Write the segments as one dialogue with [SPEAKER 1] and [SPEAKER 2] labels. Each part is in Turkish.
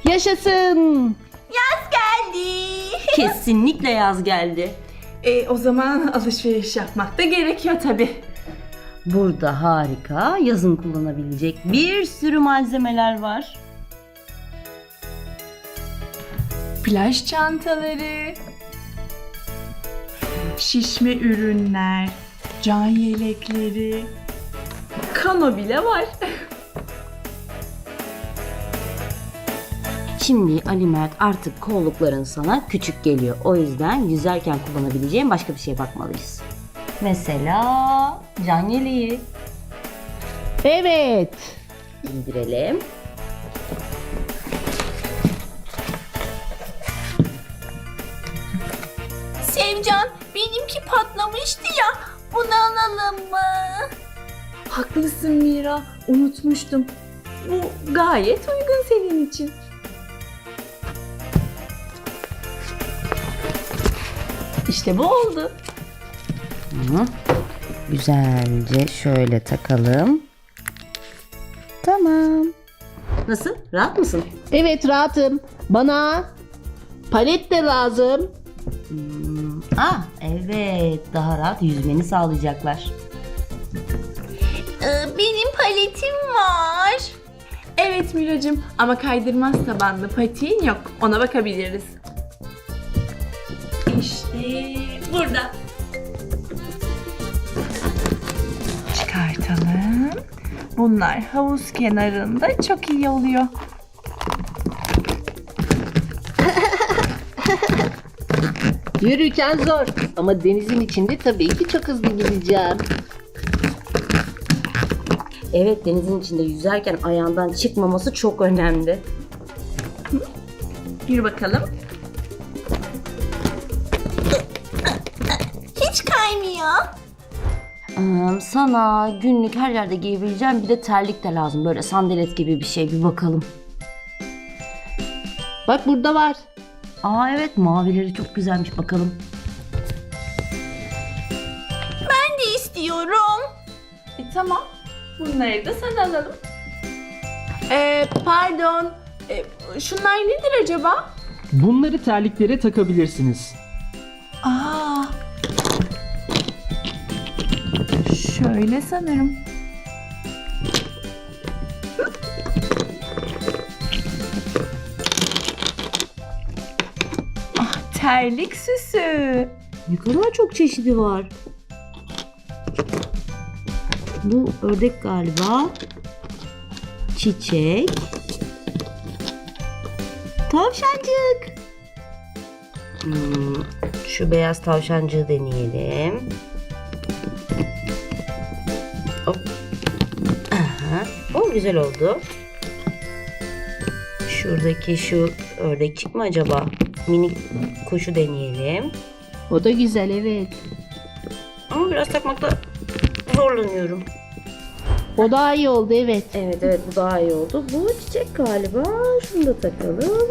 [SPEAKER 1] Yaşasın.
[SPEAKER 2] Yaz geldi.
[SPEAKER 3] Kesinlikle yaz geldi.
[SPEAKER 2] O zaman alışveriş yapmak da gerekiyor tabii.
[SPEAKER 3] Burada harika, yazın kullanabilecek bir sürü malzemeler var.
[SPEAKER 2] Plaj çantaları, şişme ürünler, can yelekleri, kano bile var.
[SPEAKER 3] Şimdi Ali Mert artık kollukların sana küçük geliyor. O yüzden yüzerken kullanabileceğin başka bir şeye bakmalıyız. Mesela can yeleği.
[SPEAKER 1] Evet.
[SPEAKER 3] İndirelim.
[SPEAKER 2] Sevcan, benimki patlamıştı ya. Bunu alalım mı? Haklısın Mira. Unutmuştum. Bu gayet uygun senin için. İşte bu oldu.
[SPEAKER 3] Hı. Güzelce şöyle takalım. Tamam. Nasıl? Rahat mısın?
[SPEAKER 1] Evet rahatım. Bana palet de lazım.
[SPEAKER 3] Evet. Daha rahat yüzmeni sağlayacaklar.
[SPEAKER 2] Benim paletim var. Evet Miracığım ama kaydırmaz tabanlı patiğin yok. Ona bakabiliriz. İşte burada. Çıkartalım. Bunlar havuz kenarında çok iyi oluyor.
[SPEAKER 1] Yürürken zor ama denizin içinde tabii ki çok hızlı gideceğim.
[SPEAKER 3] Evet, denizin içinde yüzerken ayağından çıkmaması çok önemli.
[SPEAKER 2] Bir bakalım. Hiç kaymıyor.
[SPEAKER 3] Sana günlük her yerde giyebileceğim bir de terlik de lazım. Böyle sandalet gibi bir şey, bir bakalım.
[SPEAKER 1] Bak burada var.
[SPEAKER 3] Evet, mavileri çok güzelmiş, bakalım.
[SPEAKER 2] Ben de istiyorum. Tamam. Bunları da sana alalım. Pardon. Şunlar nedir acaba?
[SPEAKER 4] Bunları terliklere takabilirsiniz.
[SPEAKER 2] Şöyle sanırım. Terlik süsü.
[SPEAKER 3] Ne kadar çok çeşidi var. Bu ördek galiba. Çiçek. Tavşancık. Şu beyaz tavşancığı deneyelim. Hop. Aha. O güzel oldu. Şuradaki şu ördekçik mi acaba? Minik kuşu deneyelim.
[SPEAKER 1] O da güzel evet.
[SPEAKER 3] Ama biraz takmakta zorlanıyorum.
[SPEAKER 1] O daha iyi oldu evet.
[SPEAKER 3] Evet bu daha iyi oldu. Bu çiçek galiba. Şunu da takalım.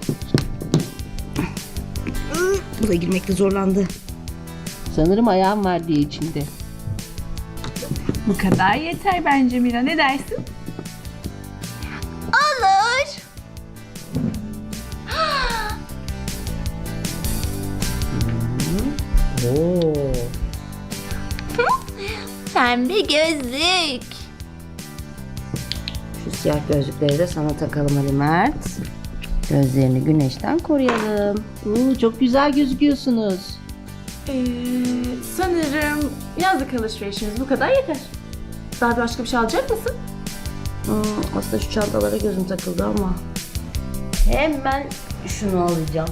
[SPEAKER 3] Bu da girmekte zorlandı.
[SPEAKER 1] Sanırım ayağım var diye içinde.
[SPEAKER 2] Bu kadar yeter bence Mira. Ne dersin? Olur.
[SPEAKER 3] Oo.
[SPEAKER 2] Pembe gözlük.
[SPEAKER 3] Şu siyah gözlükleri de sana takalım Ali Mert. Gözlerini güneşten koruyalım.
[SPEAKER 1] Çok güzel gözüküyorsunuz.
[SPEAKER 2] Sanırım yazlık alışverişimiz bu kadar yeter. Daha başka bir şey alacak mısın?
[SPEAKER 3] Aslında şu çantalara gözüm takıldı ama. Hemen şunu alacağım.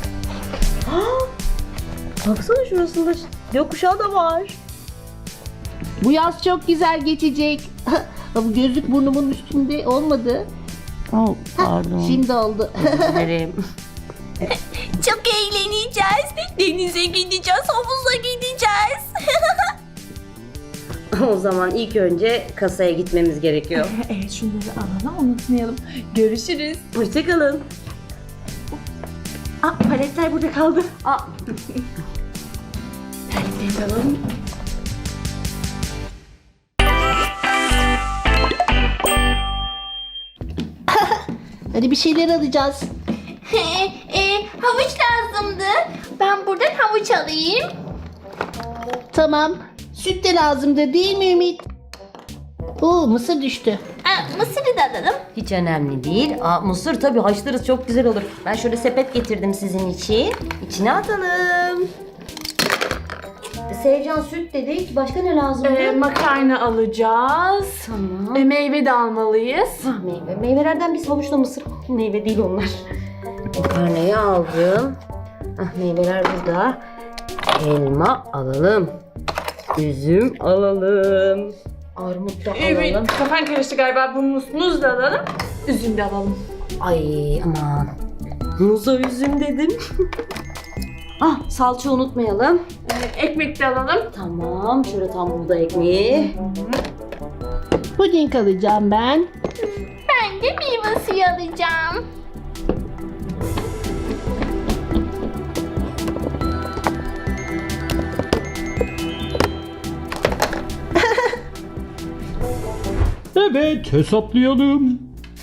[SPEAKER 3] Baksana şurasında gökkuşağı da var.
[SPEAKER 1] Bu yaz çok güzel geçecek. Bu gözlük burnumun üstünde olmadı.
[SPEAKER 3] Pardon.
[SPEAKER 1] Şimdi oldu.
[SPEAKER 3] Özür dilerim.
[SPEAKER 2] Çok eğleneceğiz. Denize gideceğiz, havuza gideceğiz.
[SPEAKER 3] O zaman ilk önce kasaya gitmemiz gerekiyor.
[SPEAKER 2] Evet, şunları alalım, unutmayalım. Görüşürüz.
[SPEAKER 3] Hoşçakalın.
[SPEAKER 2] Paletler burada kaldı.
[SPEAKER 3] Paletleri alalım.
[SPEAKER 1] Hadi bir şeyler alacağız.
[SPEAKER 2] Havuç lazımdı. Ben buradan havuç alayım.
[SPEAKER 1] Tamam. Süt de lazımdı değil mi Ümit? Oo, mısır düştü.
[SPEAKER 2] Mısırı da alalım.
[SPEAKER 3] Hiç önemli değil. Mısır tabii haşlarız, çok güzel olur. Ben şöyle sepet getirdim sizin için. İçine atalım. Sevcan süt dedik. Başka ne lazım?
[SPEAKER 2] Makarna alacağız.
[SPEAKER 3] Tamam.
[SPEAKER 2] Meyve de almalıyız.
[SPEAKER 3] Meyve. Meyvelerden biz havuçla mısır. Meyve değil onlar. Makarnayı aldım. Meyveler burada. Elma alalım. Üzüm alalım. Armut da
[SPEAKER 2] Evet,
[SPEAKER 3] alalım.
[SPEAKER 2] kafan karıştı galiba. Bu muz da alalım. Üzüm de alalım.
[SPEAKER 3] Ay aman. Muza üzüm dedim. Salça unutmayalım.
[SPEAKER 2] Ekmek de alalım.
[SPEAKER 3] Tamam. Şöyle tam buğday ekmeği.
[SPEAKER 1] Puding alacağım ben.
[SPEAKER 2] Ben de meyve suyu alacağım.
[SPEAKER 4] Evet, hesaplayalım.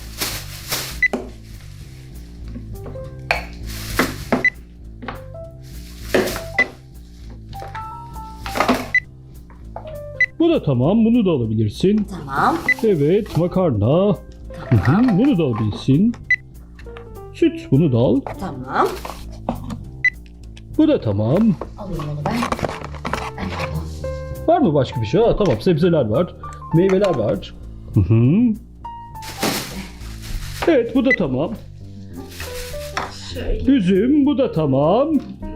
[SPEAKER 4] Bu da tamam, bunu da alabilirsin.
[SPEAKER 3] Tamam.
[SPEAKER 4] Evet, makarna. Bunu da alabilirsin. Süt, bunu da al.
[SPEAKER 3] Tamam.
[SPEAKER 4] Bu da tamam.
[SPEAKER 3] Alayım onu ben.
[SPEAKER 4] Var mı başka bir şey? Tamam, sebzeler var. Meyveler var. Evet, bu da tamam.
[SPEAKER 2] Şöyle.
[SPEAKER 4] Üzüm, bu da tamam.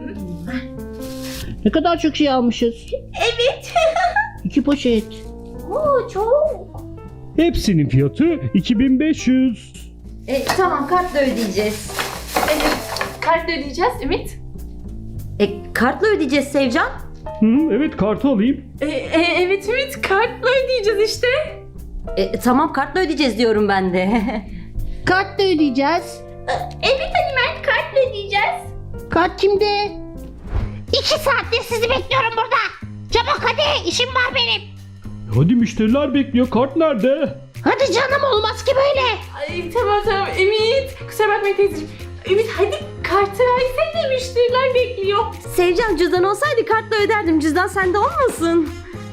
[SPEAKER 1] Ne kadar çok şey almışız.
[SPEAKER 2] Evet.
[SPEAKER 1] 2 poşet.
[SPEAKER 2] Çok.
[SPEAKER 4] Hepsinin fiyatı 2500.
[SPEAKER 3] Tamam, kartla ödeyeceğiz.
[SPEAKER 2] Kartla ödeyeceğiz Ümit.
[SPEAKER 3] Kartla ödeyeceğiz Sevcan.
[SPEAKER 4] Evet, kartı alayım.
[SPEAKER 2] Evet Ümit, kartla ödeyeceğiz işte.
[SPEAKER 3] Tamam, kartla ödeyeceğiz diyorum ben de.
[SPEAKER 1] Kartla ödeyeceğiz.
[SPEAKER 2] Evet Ali Mert, kartla ödeyeceğiz.
[SPEAKER 1] Kart kimde?
[SPEAKER 5] 2 saattir sizi bekliyorum burada. Çabuk hadi, işim var benim.
[SPEAKER 4] Hadi müşteriler bekliyor. Kart nerede?
[SPEAKER 5] Hadi canım, olmaz ki böyle.
[SPEAKER 2] Ay tamam Ümit. Kusura bakma teyzeciğim. Ümit hadi kartı versene, müşteriler bekliyor.
[SPEAKER 3] Sevcan, cüzdan olsaydı kartla öderdim. Cüzdan sende olmasın.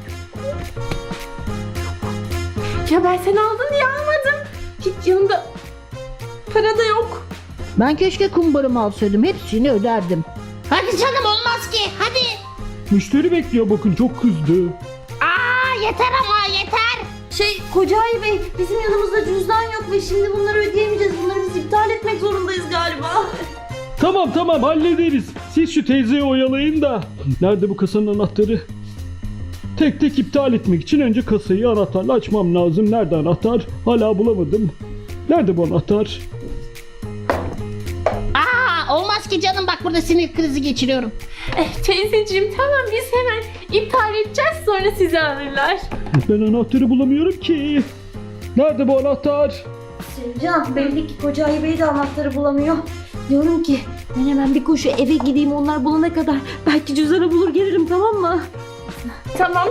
[SPEAKER 2] Ya ben sen aldın diye almadım. Hiç yanımda para da yok.
[SPEAKER 1] Ben keşke kumbarımı alsaydım. Hepsini öderdim.
[SPEAKER 5] Hadi canım, olmaz ki, hadi.
[SPEAKER 4] Müşteri bekliyor, bakın çok kızdı.
[SPEAKER 5] Yeter ama yeter.
[SPEAKER 3] Kocaeli Bey, bizim yanımızda cüzdan yok ve şimdi bunları ödeyemeyeceğiz. Bunları biz iptal etmek zorundayız galiba.
[SPEAKER 4] Tamam hallederiz. Siz şu teyzeyi oyalayın da. Nerede bu kasanın anahtarı? Tek tek iptal etmek için önce kasayı anahtarla açmam lazım. Nerede anahtar? Hala bulamadım. Nerede bu anahtar?
[SPEAKER 5] Olmaz ki canım, bak burada sinir krizi geçiriyorum.
[SPEAKER 2] Teyzeciğim tamam, biz hemen iptal edeceğiz, sonra sizi alırlar.
[SPEAKER 4] Ben anahtarı bulamıyorum ki. Nerede bu anahtar?
[SPEAKER 3] Sevcan, belli ki Kocaeli Bey de anahtarı bulamıyor. Diyorum ki ben hemen bir koşu eve gideyim, onlar bulana kadar. Belki cüzdanı bulur gelirim, tamam mı?
[SPEAKER 2] Tamam.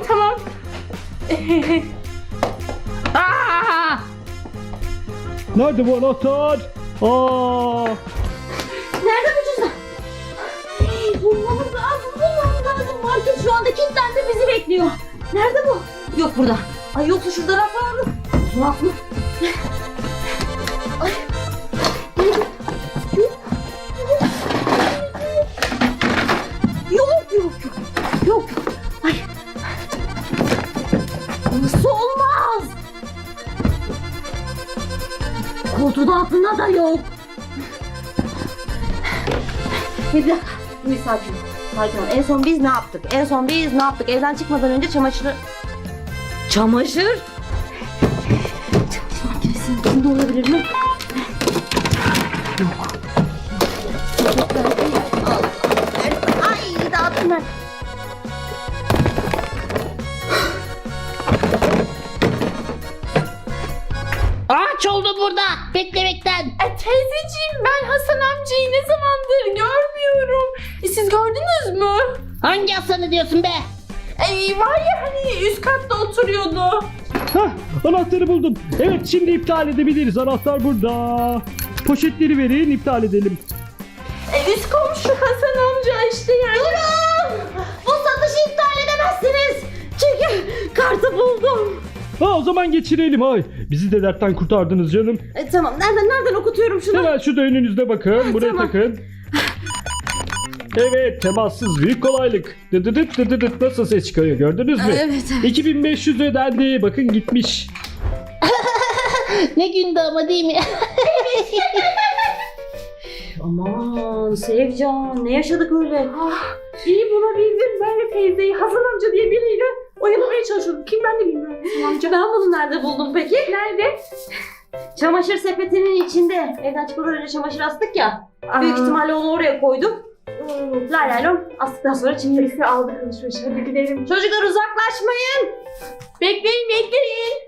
[SPEAKER 4] Nerede bu anahtar?
[SPEAKER 3] Nerede bu cüzdan? Bulmamız lazım. Market şu anda kilitlendi, bizi bekliyor. Nerede bu? Yok burada. Ay yoksa şurada raf var mı? Raf mı? Ay. Yok. Ay. Nasıl olmaz? Koltuğun altında da yok. Bir dakika. Bir sakin ol. En son biz ne yaptık? Evden çıkmadan önce çamaşır... Çamaşır makinesinin içinde olabilir mi? Yok. Ay dağıttım ben.
[SPEAKER 5] Ağaç oldu burada, beklemekten.
[SPEAKER 2] Teyzeciğim, ben Hasan amcayı ne zamandır görmüyorum. Siz gördünüz mü?
[SPEAKER 5] Hangi Hasan'ı diyorsun be?
[SPEAKER 2] Var ya hani üst katta oturuyordu.
[SPEAKER 4] Hah, anahtarı buldum. Evet, şimdi iptal edebiliriz. Anahtar burada. Poşetleri verin, iptal edelim.
[SPEAKER 2] Üst komşu Hasan amca işte yani.
[SPEAKER 3] Durun! Bu satışı iptal edemezsiniz. Çünkü kartı buldum.
[SPEAKER 4] Ha, o zaman geçirelim. Ay, bizi de dertten kurtardınız canım.
[SPEAKER 3] Tamam, nereden okutuyorum şunu?
[SPEAKER 4] Hemen şurada önünüzde bakın. Buraya
[SPEAKER 3] Tamam.
[SPEAKER 4] takın. Evet, temassız büyük kolaylık. Dıdıdıt dıdıdıt nasıl ses çıkarıyor, gördünüz mü?
[SPEAKER 3] Evet.
[SPEAKER 4] 2500 ödendi. Bakın gitmiş.
[SPEAKER 1] Ne gündü ama değil mi?
[SPEAKER 3] Aman Sevcan, ne yaşadık öyle?
[SPEAKER 2] İyi bulabildim. Ben de teyzeyi Hasan amca diye biriyle oyalamaya çalışıyordum. Kim ben de bilmiyorum Hasan amca.
[SPEAKER 3] Ben bunu nerede buldum peki?
[SPEAKER 2] Nerede?
[SPEAKER 3] Çamaşır sepetinin içinde. Evden çıkmadan önce çamaşır astık ya. Büyük ihtimalle onu oraya koydum. Lay lay lom astıktan sonra çıktı.
[SPEAKER 2] Birisi aldı alışveriş. Hadi gidelim.
[SPEAKER 3] Çocuklar uzaklaşmayın.
[SPEAKER 2] Bekleyin.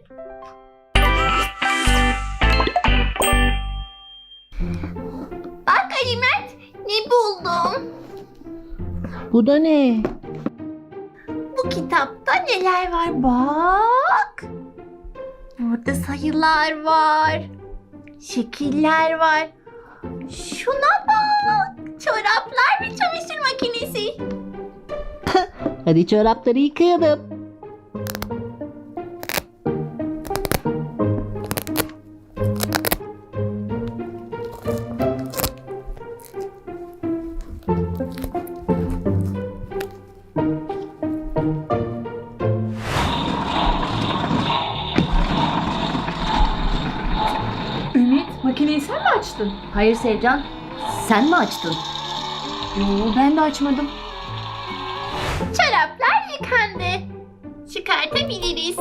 [SPEAKER 5] Bak Ali Mert, ne buldum?
[SPEAKER 1] Bu da ne?
[SPEAKER 5] Bu kitapta neler var bak. Burada sayılar var. Şekiller var. Şuna bak. Çoraplar ve çamaşır makinesi.
[SPEAKER 1] Hadi çorapları yıkayalım.
[SPEAKER 2] Ümit, makineyi sen mi açtın?
[SPEAKER 3] Hayır Sevcan, sen mi açtın?
[SPEAKER 2] Yo, ben de açmadım.
[SPEAKER 5] Çoraplar yıkandı. Çıkartabiliriz.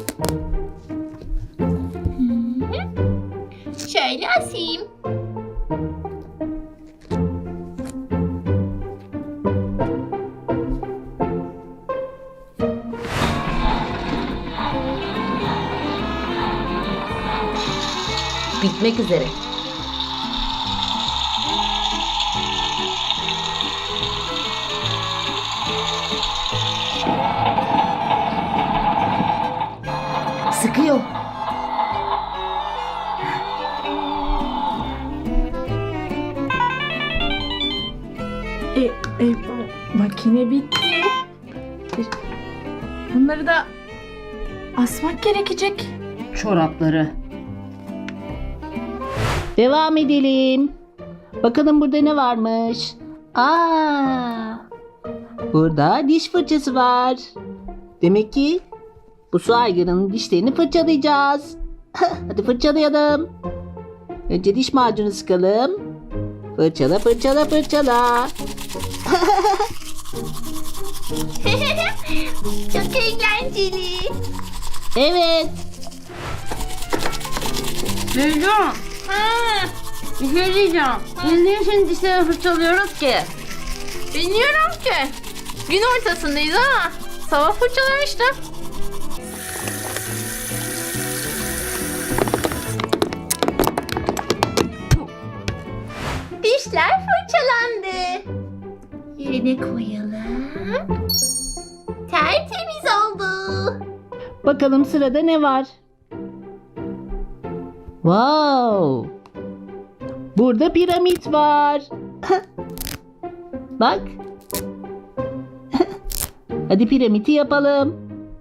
[SPEAKER 5] Şöyle asayım.
[SPEAKER 3] Bitmek üzere. Sıkıyor.
[SPEAKER 2] Makine bitti. Bunları da asmak gerekecek.
[SPEAKER 3] Çorapları.
[SPEAKER 1] Devam edelim. Bakalım burada ne varmış? Burada diş fırçası var. Demek ki bu su aygırının dişlerini fırçalayacağız. Hadi fırçalayalım. Önce diş macunu sıkalım. Fırçala fırçala fırçala.
[SPEAKER 5] Çok eğlenceli.
[SPEAKER 1] Evet.
[SPEAKER 3] Sevcan, bir şey diyeceğim. Biz niye şimdi dişleri fırçalıyoruz ki?
[SPEAKER 2] Bilmiyorum ki. Gün ortasındayız ama sabah fırçalamıştım.
[SPEAKER 5] Dişler fırçalandı. Yerine koyalım. Tertemiz oldu.
[SPEAKER 1] Bakalım sırada ne var? Wow. Burada piramit var. Bak. Hadi piramidi yapalım.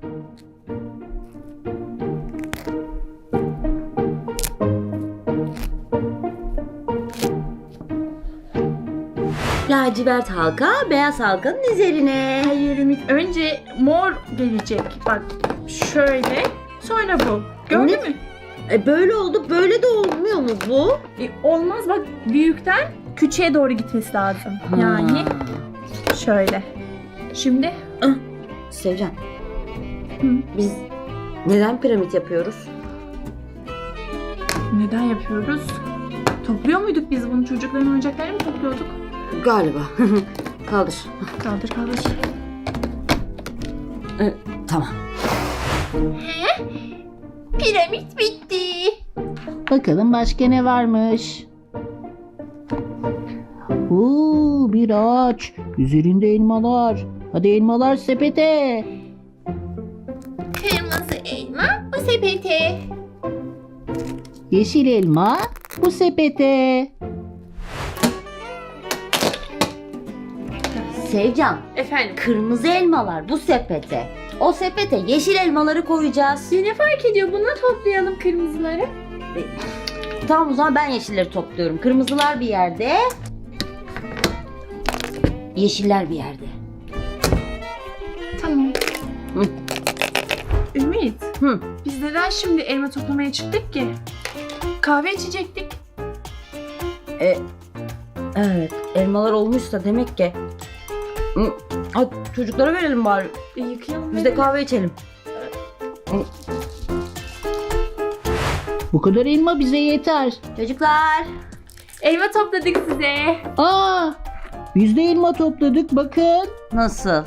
[SPEAKER 3] Lacivert halka beyaz halkanın üzerine.
[SPEAKER 2] Hayır Ümit, önce mor gelecek. Bak şöyle, sonra bu. Gördün mü?
[SPEAKER 3] Böyle oldu, böyle de olmuyor mu bu?
[SPEAKER 2] Olmaz, bak büyükten küçüğe doğru gitmesi lazım. Yani şöyle. Şimdi
[SPEAKER 3] Sevcan,
[SPEAKER 2] Hı.
[SPEAKER 3] biz neden piramit yapıyoruz?
[SPEAKER 2] neden yapıyoruz? Topluyor muyduk biz bunu? Çocukların oyuncaklarını mı topluyorduk?
[SPEAKER 3] Galiba. Kaldır.
[SPEAKER 2] Kaldır.
[SPEAKER 3] Tamam.
[SPEAKER 5] Piramit bitti.
[SPEAKER 1] Bakalım başka ne varmış? Bir ağaç. Üzerinde elmalar. Hadi elmalar sepete.
[SPEAKER 5] Kırmızı elma bu
[SPEAKER 2] sepete.
[SPEAKER 1] Yeşil elma bu sepete.
[SPEAKER 3] Sevcan,
[SPEAKER 2] Efendim?
[SPEAKER 3] kırmızı elmalar bu sepete. O sepete yeşil elmaları koyacağız.
[SPEAKER 2] Ne fark ediyor? Buna toplayalım kırmızıları.
[SPEAKER 3] Tamam o zaman ben yeşilleri topluyorum. Kırmızılar bir yerde. Yeşiller bir yerde.
[SPEAKER 2] Tamam.
[SPEAKER 3] Hı.
[SPEAKER 2] Ümit,
[SPEAKER 3] Hı.
[SPEAKER 2] biz neden şimdi elma toplamaya çıktık ki? Kahve içecektik.
[SPEAKER 3] Evet, elmalar olmuşsa demek ki. Hı. Hadi çocuklara verelim bari.
[SPEAKER 2] Yıkayalım.
[SPEAKER 3] Biz de kahve içelim.
[SPEAKER 1] Bu kadar elma bize yeter.
[SPEAKER 3] Çocuklar.
[SPEAKER 2] Elma topladık size.
[SPEAKER 1] Aa, biz de elma topladık bakın.
[SPEAKER 3] Nasıl?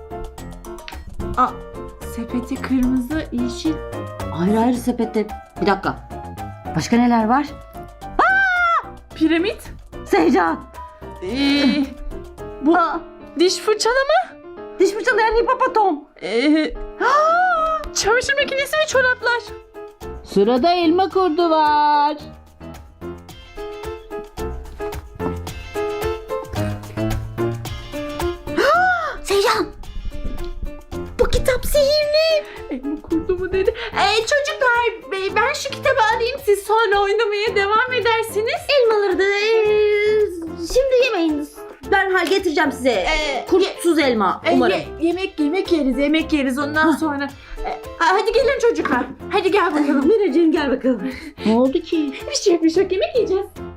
[SPEAKER 2] Sepeti kırmızı, yeşil.
[SPEAKER 3] Ayrı ayrı sepette. Bir dakika. Başka neler var?
[SPEAKER 2] Piramit.
[SPEAKER 3] Sevcan.
[SPEAKER 2] Bu
[SPEAKER 3] Aa,
[SPEAKER 2] diş fırçalama.
[SPEAKER 3] diş fırçalayan hipopotam.
[SPEAKER 2] Çamaşır makinesi ve çoraplar.
[SPEAKER 1] Sırada elma kurdu var.
[SPEAKER 3] Sevcan. Bu kitap sihirli.
[SPEAKER 2] Elma kurdu mu dedi. Çocuklar ben şu kitabı alayım, siz sonra oynamaya devam edersiniz.
[SPEAKER 3] Elmaları da şimdi yemeyin. Derhal getireceğim size. Kurtsuz elma umarım.
[SPEAKER 2] Yemek yeriz ondan sonra. Hadi gelin çocuklar. Hadi gel bakalım.
[SPEAKER 3] Miracığım gel bakalım.
[SPEAKER 1] Ne oldu ki?
[SPEAKER 2] Bir şey yok yemek yiyeceğiz.